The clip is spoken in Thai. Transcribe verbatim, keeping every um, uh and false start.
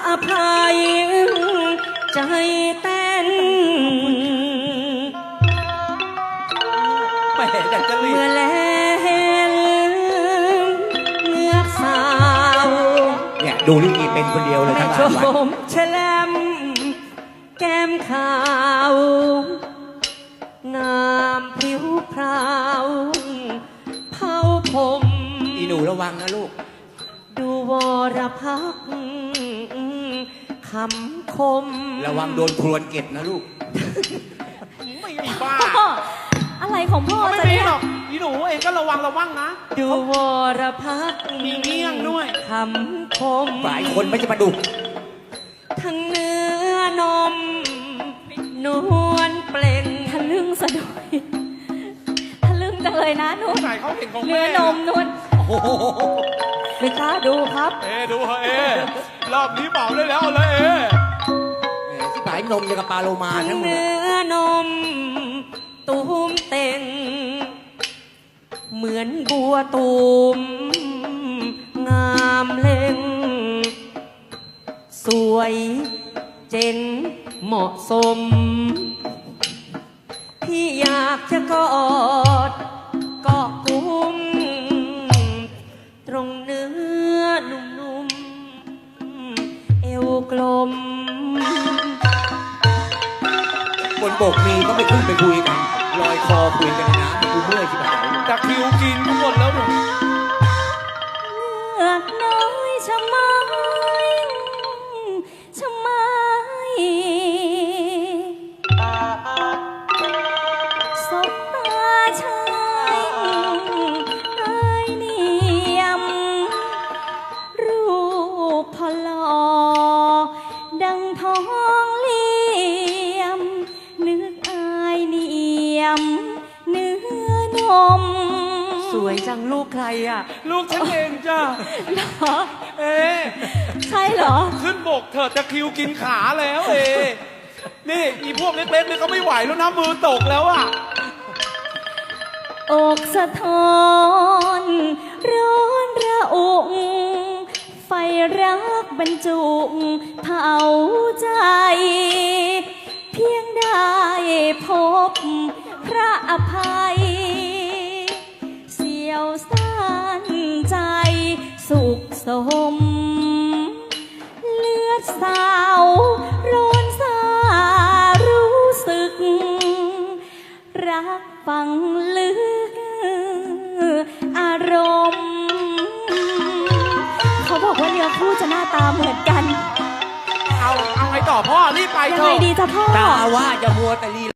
อภัยใจเต้นไม่เห็นแต่จะรีเมื่บอแลเห็นเงือกสาวเนี่ยดูลิเกเป็นคนเดียวเลยไม่ทั้งชงานวัดมแฉลมแก้มขาว งามผิวพราวเผาผมอีหนูระวังนะลูกดูวรพักษ์คำคมระวังโดนพรวนเก็บนะลูกไม่มีบ้าพ่ออะไรของพ่อไม่จะมีเนี่ยหรอกอีหนูเองก็ระวังระวังนะดูวรพักษ์มีเงี้ยงด้วยคำคมหลายคนไม่จะมาดูทั้งเนื้อนม นวลเปล่งทะลึ่งซะด้วยทะลึ่งจังเลยนะนุ่นใส่เขาเห็นของเนื้แม่อนมนุ่นโอ้โหไม่กล้าดูครับเอดูเอรอบนี้เป่าได้แล้วเอาเลยเอแหมที่ปลายนมยังกับปลาโลมาทั้ทั้งงหมดเนื้อนม ตูมเต่ง เหมือนบัวตูม งามเล่ง สวยเจ๋งเหมาะสม พี่อยากจะกอดเกาะกุม ตรงเนื้อนุ่มๆ เอวกลมบนบกมีก็ไม่ขึ้นไปคุยกันลอยคอคุยกันในน้ำกูเมื่อยชิบหายตะคริวกินทุกคนแล้วเนี่ยเลือกน้อยชะไม้ชะไม้สบตาชายไอ้เนียม รูปพอลอดังทองเหลี่ยม นึกอายเนียม เนื้อนมสวยจังลูกใครอ่ะลูกฉันเองจ้าเหรอเอใช่เหรอขึ้นบกเถิดตะคริวกินขาแล้วเอนี่อีพวกเล็กๆเนี่ยเขาไม่ไหวแล้วนะมือตกแล้วอ่ะอกสะท้อนร้อนระอุไฟรักบรรจุเผาใจ เพียงได้พบพระอภัย เสียวสั้นใจสุขสม เลือดสาวร้อนสารู้สึก รักฟังลึกอารมณ์ เขาบอกว่าเนื้อคู่จะหน้าตาเหมือนกันเอาเอาไงต่อพ่อรีบไปยังเถไงอะดีจ้ะพ่อตาว่าจะมัวแต่ลี